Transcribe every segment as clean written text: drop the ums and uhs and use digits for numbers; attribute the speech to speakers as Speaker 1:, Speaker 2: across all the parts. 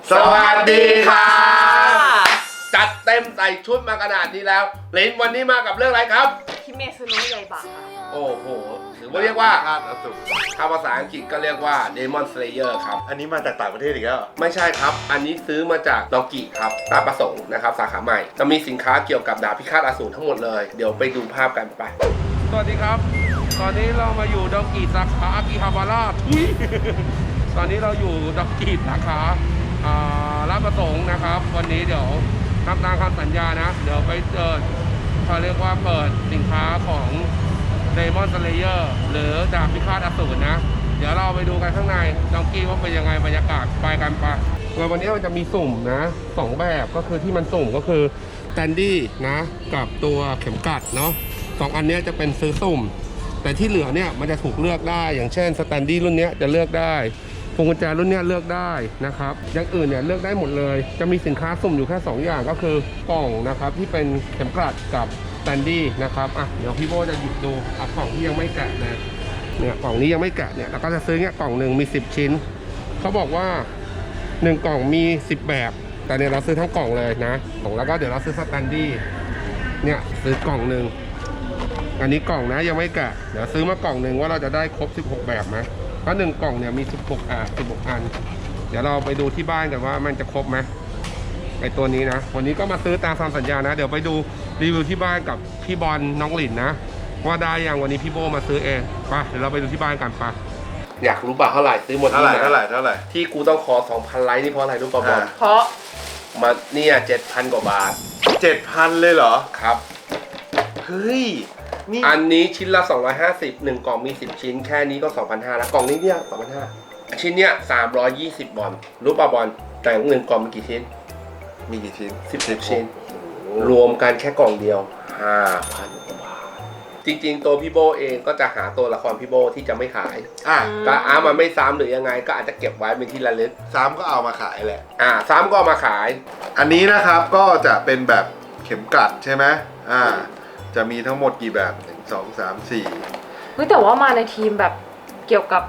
Speaker 1: สวัสดีค่ะจัดเต็มใส่ชุดมาขนาดนี้แล้วลินวันนี้มากับเรื่องอะไรครับ
Speaker 2: คิเมซุโนะยาอิบะค่ะ
Speaker 1: โอ้โหหรือว่าเรียกว่าถ้าภาษาอังกฤษก็เรียกว่า Demon Slayer ครับ
Speaker 3: อันนี้มาจากต่างประเทศอีกแล้ว
Speaker 1: ไม่ใช่ครับอันนี้ซื้อมาจากดอกิครับตาประสงค์นะครับสาขาใหม่จะมีสินค้าเกี่ยวกับดาบพิฆาตอสูรทั้งหมดเลยเดี๋ยวไปดูภาพกันไปสวัสดีครับตอนนี้เรามาอยู่ดอกิสาขาอากิฮาบาระตอนนี้เราอยู่ดอกิสาขาลาดประสงค์นะครับวันนี้เดี๋ยวทำตามคำสัญญานะเดี๋ยวไปเขาเรียกว่าเปิดสินค้าของ Demon Slayer หรือดาบพิฆาตอสูรนะเดี๋ยวเราไปดูกันข้างในดองกี้ว่าเป็นยังไงบรรยากาศไปกันปะวันนี้มันจะมีสุ่มนะ2แบบก็คือที่มันสุ่มก็คือสแตนดี้นะกับตัวเข็มกลัดเนาะ2อันนี้จะเป็นซื้อสุ่มแต่ที่เหลือเนี่ยมันจะถูกเลือกได้อย่างเช่นสแตนดี้รุ่นนี้จะเลือกได้พวงกุญแจรุ่นนี้เลือกได้นะครับอย่างอื่นเนี่ยเลือกได้หมดเลยจะมีสินค้าสุ่มอยู่แค่2อย่างก็คือกล่องนะครับที่เป็นเข็มกลัดกับสแตนดี้นะครับเดี๋ยวพี่โบจะหยิบดูกล่องที่ยังไม่แกะเนี่ยกล่องนี้ยังไม่แกะเนี่ยเราก็จะซื้อเนี่ยกล่องหนึ่งมี10ชิ้นเขาบอกว่า1กล่องมี10แบบแต่เนี่ยเราซื้อทั้งกล่องเลยนะแล้วก็เดี๋ยวเราซื้อสแตนดี้เนี่ยซื้อกล่องหนึ่งอันนี้กล่องนะยังไม่แกะเดี๋ยวซื้อมากล่องหนึ่งว่าเราจะได้ครบ16แบบไหมเพราะ1กล่องเนี่ยมี16อันเดี๋ยวเราไปดูที่บ้านกันว่ามันจะครบไหมไอตัวนี้นะวันนี้ก็มาซื้อตามคำสัญญานะเดี๋ยวไปดูรีวิวที่บ้านกับพี่บอลน้องหลินนะว่าได้ยังวันนี้พี่โบมาซื้อเองไปเดี๋ยวเราไปดูที่บ้านกันปะอยากรู้ป่ะเท่าไหร่ซื้อหมด
Speaker 3: เท่าไหร่
Speaker 1: ที่กูต้องขอ 2,000 ไลค์นี่เพราะอะไรรู้ป่ะบอล
Speaker 2: เพราะ
Speaker 1: มาเนี่ย 7,000 กว่าบาท
Speaker 3: 7,000 เลยเหรอ
Speaker 1: ครับ
Speaker 3: เฮ้ยนี่
Speaker 1: อันนี้ชิ้นละ250 1กล่องมี10ชิ้นแค่นี้ก็ 2,500 แล้วกล่องนี้เนี่ย 2,500 ชิ้นเนี่ย320บอลรู้ป่ะบอลแต่1กล่องมีกี่ชิ้น
Speaker 3: มีกี่ชิ้น
Speaker 1: 10ชิ้นรวมกันแค่กล่องเดียว 5,000 กว่าบาทจริงๆตัวพี่โบเองก็จะหาตัวละครพี่โบที่จะไม่ขายก็มันไม่ซ้ำหรือยังไงก็อาจจะเก็บไว้เป็นที่ระลึก
Speaker 3: ซ้ำก็เอามาขายแหละ
Speaker 1: ซ้ำก็เอามาขาย
Speaker 3: อันนี้นะครับก็จะเป็นแบบเข็มกลัดใช่ไหมจะมีทั้งหมดกี่แบบ1 2 3 4
Speaker 2: เฮ้ยแต่ว่ามาในทีมแบบเกี่ยวกับ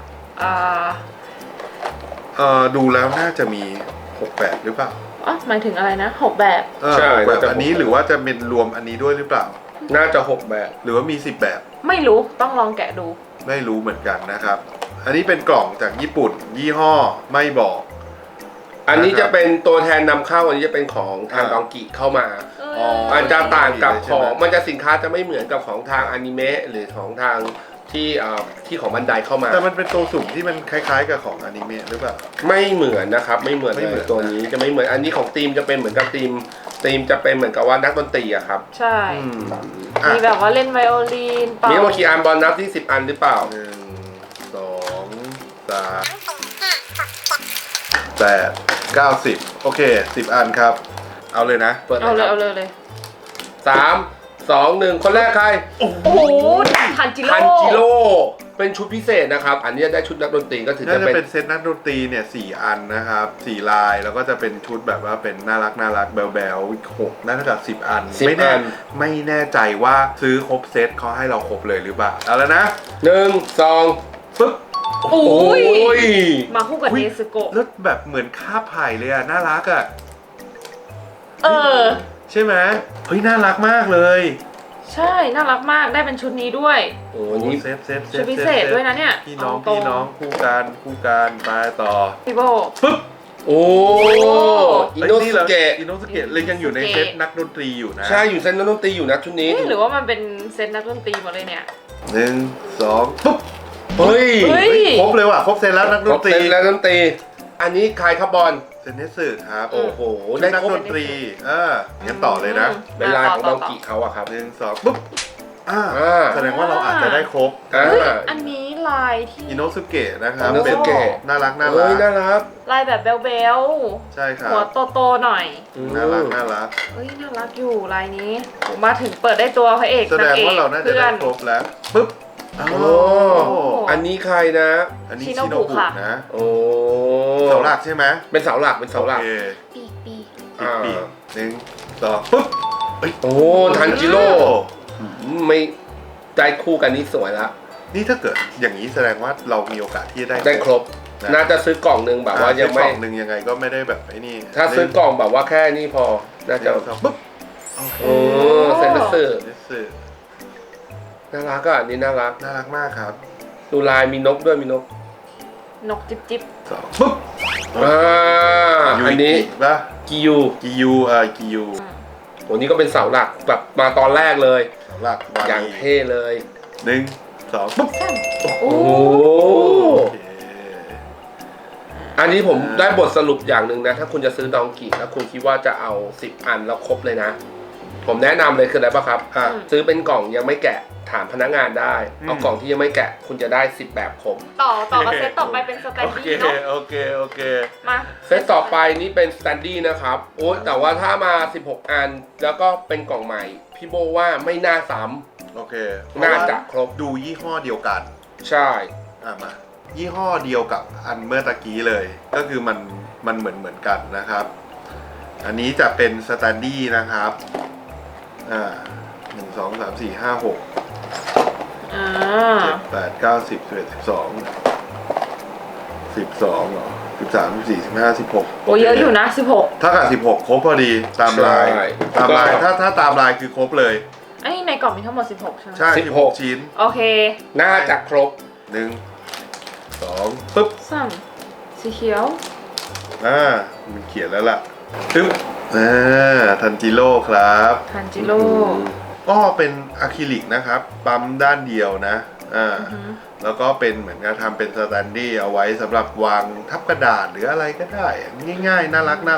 Speaker 3: ดูแล้วน่าจะมี6แบบหรือเปล่า
Speaker 2: หมายถึงอะไรนะ6แบบ
Speaker 1: ใช่
Speaker 3: แบบอันนี้หรือว่าจะเป็นรวมอันนี้ด้วยหรือเปล่า
Speaker 1: น่าจะ6แบบ
Speaker 3: หรือว่ามี10แบบ
Speaker 2: ไม่รู้ต้องลองแกะดู
Speaker 3: ไม่รู้เหมือนกันนะครับอันนี้เป็นกล่องจากญี่ปุ่นยี่ห้อไม่บอก
Speaker 1: อันนี้จะเป็นตัวแทนนำเข้าอันนี้จะเป็นของทางดองกิเข้ามามันจะต่างกับของมันจะสินค้าจะไม่เหมือนกับของทางอนิเมะหรือของทางที่ของบันไดเข้ามา
Speaker 3: แต่มันเป็นตัวสุ่มที่มันคล้ายๆกับของอนิเมะหรือเปล่า
Speaker 1: ไม่เหมือนนะครับไม่เหมือนเลยตัวนี้จะไม่เหมือนอันนี้ของทีมจะเป็นเหมือนกับทีมจะเป็นเหมือนกับว่านักดนตรีอะครับ
Speaker 2: ใช่มีแบบว่าเล่นไวโอลิน
Speaker 1: มีโมคีอันบอลนับที่10 อันหรือเปล่า
Speaker 3: 1 2 3 8 9 10โอเค10 อันครับเอาเลยนะ
Speaker 2: เอาเลย
Speaker 1: 3 2 1คนแรกใคร
Speaker 2: โอ้โหทันจิโร่
Speaker 1: เป็นชุดพิเศษนะครับอันนี้ได้ชุดนักดนตรีก็ถือ
Speaker 3: จะเป็นเซตนักดนตรีเนี่ย4 อันนะครับ4 ลายแล้วก็จะเป็นชุดแบบว่าเป็นน่ารักแบล6น่าจะ10 อันไม่แน่ใจว่าซื้อครบเซตเขาให้เราครบเลยหรือเปล่าเอาแล้วนะ
Speaker 1: 1 2ปึ๊บ
Speaker 2: โอ้ยมาคู่กับเนซึโกะ
Speaker 3: แล้วแบบเหมือนคาบไผ่เลยอะน่ารักอะใช่ไหมเฮ้ยน่ารักมากเลย
Speaker 2: ใช่น่ารักมากได้เป็นชุดนี้ด้วย
Speaker 3: โอ้นี่เซฟ
Speaker 2: ชุดพิเศษด้วยนะเนี่ย
Speaker 3: พี่น้องคู่กันไปต่อ
Speaker 2: พี่โบ
Speaker 3: ปึ๊บ
Speaker 1: โอ้อิโนสุเกะ
Speaker 3: เลยยังอยู่ในเซตนักดนตรีอยู่นะ
Speaker 1: ใช่อยู่เซตนักดนตรีอยู่นะชุดนี้
Speaker 2: หรือว่ามันเป็นเซตนักดนตรีหมดเลยเนี่ย
Speaker 3: 1 2ปึ๊บ
Speaker 1: เฮ้ย
Speaker 3: ครบเลยว่ะครบเซตแล้วนักดนตรี
Speaker 1: อันนี้ใครครับบอล
Speaker 3: เซนเนสึครับ
Speaker 1: โอ้โห
Speaker 3: ได้นักดนตรีงั้นต่อเลยนะ
Speaker 1: เป็นลายของดองกิเขาอะครับ
Speaker 3: 1 2ปึ๊บแสดงว่าเราอาจจะได้ครบ
Speaker 2: อันนี้ลายที่
Speaker 3: อิโนสุเกะนะครับเป็นน่ารัก
Speaker 2: ลายแบบเบล
Speaker 3: ใช่ครับ
Speaker 2: หัวโตๆหน่อย
Speaker 3: น่ารัก
Speaker 2: เฮ้ยน่ารักอยู่ลายนี้มาถึงเปิดได้ตัวพระเอก
Speaker 3: แสดงว่าเราน่าจะได้ครบแล้วปึ๊บ
Speaker 1: อันนี้ใครนะ
Speaker 3: อันนี้ชิโนบุนะ
Speaker 1: โอ้
Speaker 3: เสาหลักใช่ไหม
Speaker 1: เป็นเสาหลัก
Speaker 2: ปี
Speaker 3: 1 2ปึ๊บ
Speaker 1: โอ้ทันจิโร่ไม่ได้คู่กันนี่สวยละ
Speaker 3: นี่ถ้าเกิดอย่างนี้แสดงว่าเรามีโอกาสที่จะ
Speaker 1: ได้ครบน่าจะซื้อกล่องหนึ่งแบบว่ายังไม่
Speaker 3: กล่องหนึ่งยังไงก็ไม่ได้แบบไอ้นี่
Speaker 1: ถ้าซื้อกล่องแบบว่าแค่นี้พอน่าจะ
Speaker 3: ปุ๊บโอเค
Speaker 1: โอ้เซนเซอร์
Speaker 3: เซอร์
Speaker 1: น่ารักอ่ะอันนี้น่ารัก
Speaker 3: น่ารักมากครับ
Speaker 1: ดูลายมีนกด้วยมีนก
Speaker 2: นกจิ๊บจิ๊บ
Speaker 3: สองปุ๊บ
Speaker 1: อันนี้
Speaker 3: ป่ะ
Speaker 1: กิยู
Speaker 3: กิยู
Speaker 1: โอ้นี่ก็เป็นเสาหลักแบบมาตอนแรกเลย
Speaker 3: หลักวา
Speaker 1: อย่างเท่เลย
Speaker 3: หนึ่งสองปุ๊บ
Speaker 2: โอ้
Speaker 1: โอ้
Speaker 3: โอเค
Speaker 1: อันนี้ผมได้บทสรุปอย่างหนึ่งนะ ถ้าคุณจะซื้อดองกี้แล้วคุณคิดว่าจะเอา10 อันแล้วครบเลยนะ ผมแนะนำเลยคืออะไรป่ะครับ ซื้อเป็นกล่องยังไม่แกะถามพนักงานได้ เอากล่องที่ยังไม่แกะคุณจะได้10 แบบครบ
Speaker 2: ต่อกับเซตต่อไปเป็นสแตน
Speaker 3: โอเค
Speaker 2: ดี้เนาะ
Speaker 3: โอเค
Speaker 2: มา
Speaker 1: เซตต่อไปนี่เป็นสแตนดี้นะครับโอ้แต่ว่าถ้ามา16 อันแล้วก็เป็นกล่องใหม่ พี่โบว่าไม่น่าซ้
Speaker 3: โอเค
Speaker 1: ำน่าจะครบ
Speaker 3: ดูยี่ห้อเดียวกัน
Speaker 1: ใช่
Speaker 3: มายี่ห้อเดียวกับอันเมื่อตะกี้เลย ก็คือมันเหมือนกันนะครับ อันนี้จะเป็นสแตนดี้นะครับ1 2 3 4 5 6 7 8 9 10 11 12 12เหรอ13 14 15 16
Speaker 2: โอ้เยอะอยู่นะ16
Speaker 3: ถ้ากับ16ครบพอดีตามลายถ้าตามลายคือครบเลย
Speaker 2: ไอ้ในกล่องมีทั้งหมด16ใช่ไหม
Speaker 3: ใช่16ชิ้น
Speaker 2: โอเค
Speaker 1: น่าจะครบ
Speaker 3: 1 2ปึ๊บ
Speaker 2: สีเขียว
Speaker 3: มันเขียนแล้วล่ะปึ๊บทันจิโร่ครับ
Speaker 2: ทันจิโร่
Speaker 3: ก็เป็นอะคริลิกนะครับปั๊มด้านเดียวนะแล้วก็เป็นเหมือนกับทำเป็นสแตนดี้เอาไว้สำหรับวางทับกระดาษหรืออะไรก็ได้ง่ายๆน่ารัก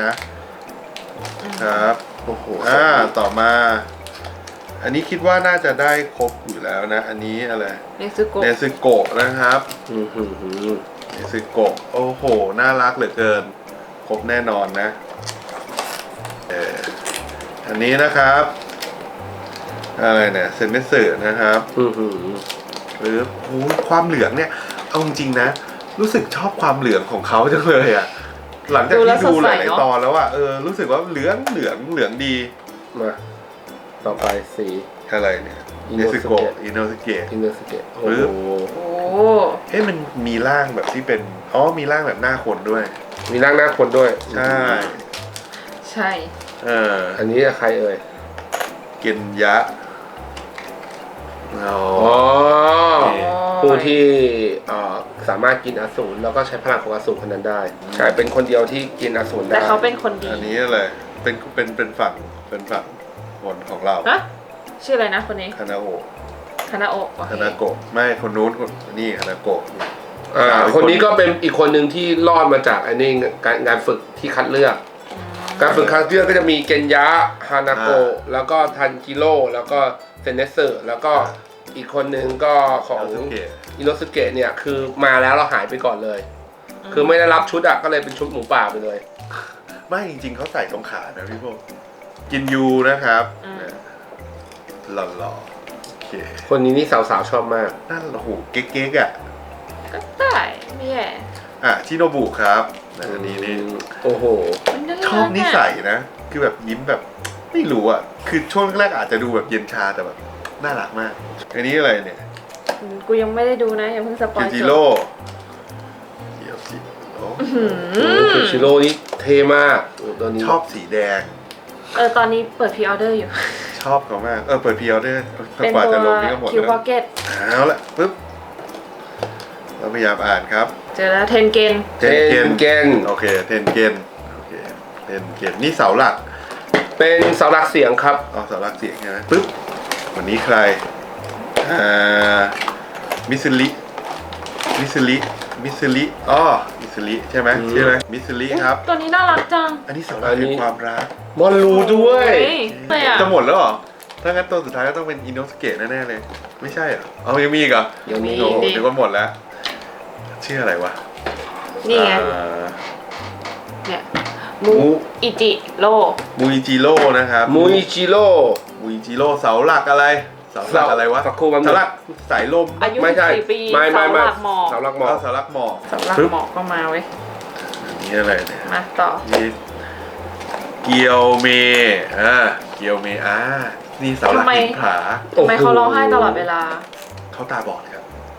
Speaker 3: นะครับโอ้โหต่อมา อันนี้คิดว่าน่าจะได้ครบอยู่แล้วนะอันนี้อะไรเนซึโกะนะครับเนซึโกะโอ้โหน่ารักเหลือเกินครบแน่นอนนะอันนี้นะครับอะไรเนี่ยเซนเนสึนะครับหรือความเหลืองเนี่ยเอาจริงๆนะรู้สึกชอบความเหลืองของเขาจังเลยอ่ะหลังจากที่ดูหลายตอนแล้วอ่ะรู้สึกว่าเหลืองดี
Speaker 1: มาต่อไปสี
Speaker 3: อะไรเนี่ยอิโนสเกะหรือมันมีร่างแบบที่เป็นมีร่างแบบหน้าคนด้วย
Speaker 1: มีร่างหน้าคนด้วย
Speaker 2: ใช่
Speaker 1: อันนี้ใครเอ่ย
Speaker 3: เกนยะ
Speaker 1: ผู้ที่สามารถกินอสูรแล้วก็ใช้พลังของอสูรคนนั้นได้ใช่เป็นคนเดียวที่กินอสูรได้
Speaker 2: แต่เขาเป็นคนดี
Speaker 3: อันนี้อะไรเป็นฝั่งคนของเรา
Speaker 2: ชื่ออะไรนะคนนี้
Speaker 3: คานาโอะ
Speaker 2: คานาโกะ
Speaker 3: ไม่คนนู้นนี่คานาโกะ
Speaker 1: คนนี้ก็เป็นอีกคนหนึ่งที่รอดมาจากอันนี้งานฝึกที่คัดเลือกการฝึกคัดเลือกก็จะมีเกนยะฮานาโกะแล้วก็ทันจิโร่แล้วก็เซนเนสึแล้วก็อีกคนนึงก็ของอิโนสุเกะเนี่ยคือมาแล้วเราหายไปก่อนเลยคือไม่ได้รับชุดก็เลยเป็นชุดหมูป่าไปเลย
Speaker 3: ไม่จริงๆเขาใส่ตรงขานะพี่พวกกินยูนะครับหล่อโอเค
Speaker 1: คนนี้นี่สาวๆชอบมาก
Speaker 3: นั่นโอ้โหเก๊กๆ
Speaker 2: ก็ได้ไม่แย่
Speaker 3: ชิโนบุครับอันนี้นี่
Speaker 1: โอ้โห
Speaker 3: ชอบนิสัยนะคือแบบยิ้มแบบไม่รู้คือช่วงแรกอาจจะดูแบบเย็นชาแต่แบบน่ารักมากอันนี้อะไรเนี่ย
Speaker 2: กูยังไม่ได้ดูนะอย่าเพิ่งสปอยล์
Speaker 3: จิโร่
Speaker 1: จิโร่นี่เท่มากตัวนี้
Speaker 3: ชอบสีแดง
Speaker 2: ตอนนี้เปิดพรีออเดอร์อยู่
Speaker 3: ชอบเขามากเปิดพรีออเดอร์
Speaker 2: เป็นตัวคิวพ็อกเก็ต
Speaker 3: เอาละปึ๊บเราพยายามอ่านครับ
Speaker 2: เจอแล้วเทนเกน
Speaker 3: โอเคเทนเกนนี่เสาหลัก
Speaker 1: เป็นเสาหลักเสียงครับ
Speaker 3: เสาหลักเสียงใช่ไหมปึ๊บวันนี้ใครมิสลิมิสลิใช่ไหมมิสลิครับ
Speaker 2: ตัวนี้น่ารักจัง
Speaker 3: อันนี้เสาหลักเป็นความรัก
Speaker 1: มอนรูด้วย
Speaker 3: จะหมดแล้วเหรอถ้างั้นตัวสุดท้ายก็ต้องเป็นอินโนสเกะแน่ๆเลยไม่ใช่เหรอยังมีอีกเหรอ
Speaker 1: ยังมี
Speaker 3: เดี๋ยวก็หมดแล้วชื่ออะไรวะ
Speaker 2: นี่ไงเนี่ยมูอิจิโร่
Speaker 3: นะครับ
Speaker 1: มูอิจิโร่
Speaker 3: เสาหลักอะไรเสาหลักอะไรวะ
Speaker 1: สักครู่มัน
Speaker 3: เสาหลักสายลม
Speaker 2: ไม่ใช่ไม่
Speaker 1: เสาหลักหมอก
Speaker 3: เสาหลักหมอก
Speaker 2: ก็มาเว้ย
Speaker 3: นี่อะไรเนี่ย
Speaker 2: มาต่อ
Speaker 3: เกียวเมนี่เสาหลักหินผา
Speaker 2: ทำไมเขาร้องไห้ตลอดเวลา
Speaker 3: เขาตาบอดครับ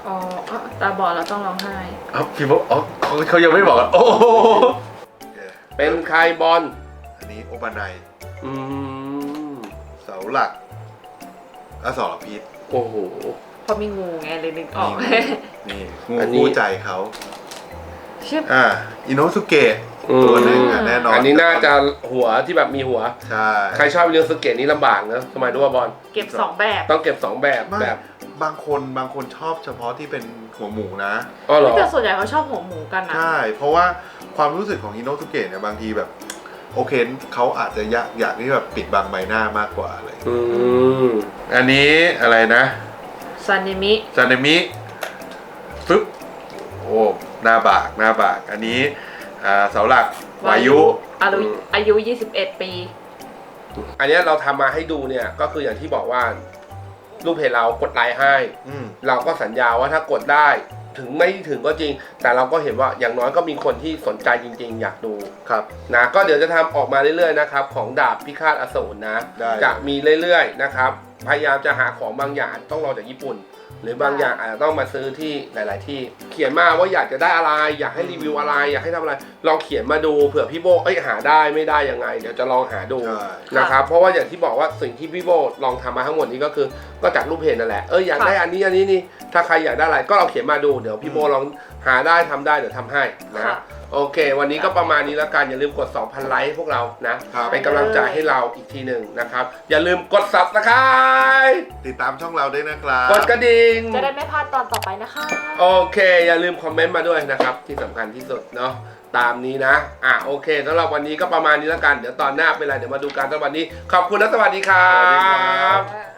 Speaker 2: อ๋อตาบอดแล้วต้องร้องไห้
Speaker 3: พี่บอกเขายังไม่บอกโอ้โห
Speaker 1: เป็นใครบอล
Speaker 3: อันนี้โอปาไน
Speaker 1: อืม
Speaker 3: เสาหลักอสรพิษ
Speaker 1: โอ้โห
Speaker 2: เพราะมีงูไงเลยนึกออก
Speaker 3: นี่งู
Speaker 1: อันนี้
Speaker 3: คู่ใจเขา
Speaker 2: ชื่อ
Speaker 3: อิโนสุเกะตัวหนึ่งแน่นอน
Speaker 1: อันนี้น่าจะหัวที่แบบมีหัว
Speaker 3: ใช่
Speaker 1: ใครชอบเรียนสเก็ตนี้ลำบากนะทำไมรู้ว่าบอล
Speaker 2: เก็บ2 แบบ
Speaker 1: ต้องเก็บ 2 แบบ
Speaker 3: ไม่
Speaker 1: แบบ
Speaker 3: บางคนชอบเฉพาะที่เป็นหัวหมูนะ
Speaker 1: อ๋อเหรอ
Speaker 2: แต่ส่วนใหญ่เขาชอบหัวหมูกันนะ
Speaker 3: ใช่ เพราะว่าความรู้สึกของอิโนสุเกะเนี่ยบางทีแบบ โอเคเขาอาจจะอยากที่แบบปิดบังใบหน้ามากกว่าเลย
Speaker 1: อืม
Speaker 3: อันนี้อะไรนะ
Speaker 2: ซานิมิ
Speaker 3: ซาเนมิฟึบโอ้หน้าบากอันนี้เสาหลักวายุ
Speaker 2: อายุ 21 ปี
Speaker 1: อันเนี้ยเราทำมาให้ดูเนี่ยก็คืออย่างที่บอกว่ารูปเพจเรากดไลค์ให้
Speaker 3: อืม
Speaker 1: เราก็สัญญาว่าถ้ากดได้ถึงไม่ถึงก็จริง แต่เราก็เห็นว่าอย่างน้อยก็มีคนที่สนใจจริงๆ อยากดู
Speaker 3: ครับ
Speaker 1: นะก็เดี๋ยวจะทำออกมาเรื่อยๆนะครับของดาบพิฆาตอสูรนะ
Speaker 3: ได้
Speaker 1: จะมีเรื่อยๆนะครับพยายามจะหาของบางอย่างต้องรอจากญี่ปุ่น หรือบางอย่างอาจจะต้องมาซื้อที่หลาย ๆ ที่เขียนมาว่าอยากจะได้อะไร อยากให้รีวิวอะไร อยากให้ทำอะไรลองเขียนมาดูเผื่อพี่โบหาได้ไม่ได้ยังไง เดี๋ยวจะลองหาดู
Speaker 3: ใช่
Speaker 1: นะครับเพราะว่าอย่างที่บอกว่าสิ่งที่พี่โบลองทำมาทั้งหมดนี้ก็คือก็จากรูปเพจนั่นแหละอยากได้อันนี้นี่ถ้าใครอยากได้อะไรก็เราเขียนมาดูเดี๋ยวพี่โบลองหาได้ทำได้เดี๋ยวทำให้นะ
Speaker 2: ค่ะ
Speaker 1: โอเค วันนี้ก็ประมาณนี้แล้วกันอย่าลืมกด 2,000 ไลค์พวกเรานะครับ เป็นกำลังใจให้เราอีกทีหนึ่งนะครับอย่าลืมกด Subscribe
Speaker 3: ติดตามช่องเราด้วยนะครับ
Speaker 1: กดกระดิ่ง
Speaker 2: จะได้ไม่พลาดตอนต่อไปนะคะ
Speaker 1: โอเค อย่าลืมคอมเมนต์มาด้วยนะครับที่สำคัญที่สุดเนาะตามนี้นะโอเคสำหรับวันนี้ก็ประมาณนี้แล้วกันเดี๋ยวตอนหน้าเป็นไรเดี๋ยวมาดูกันสำหรับวันนี้ขอบคุณและสวัสดีครั
Speaker 3: สวัสดีครับ บ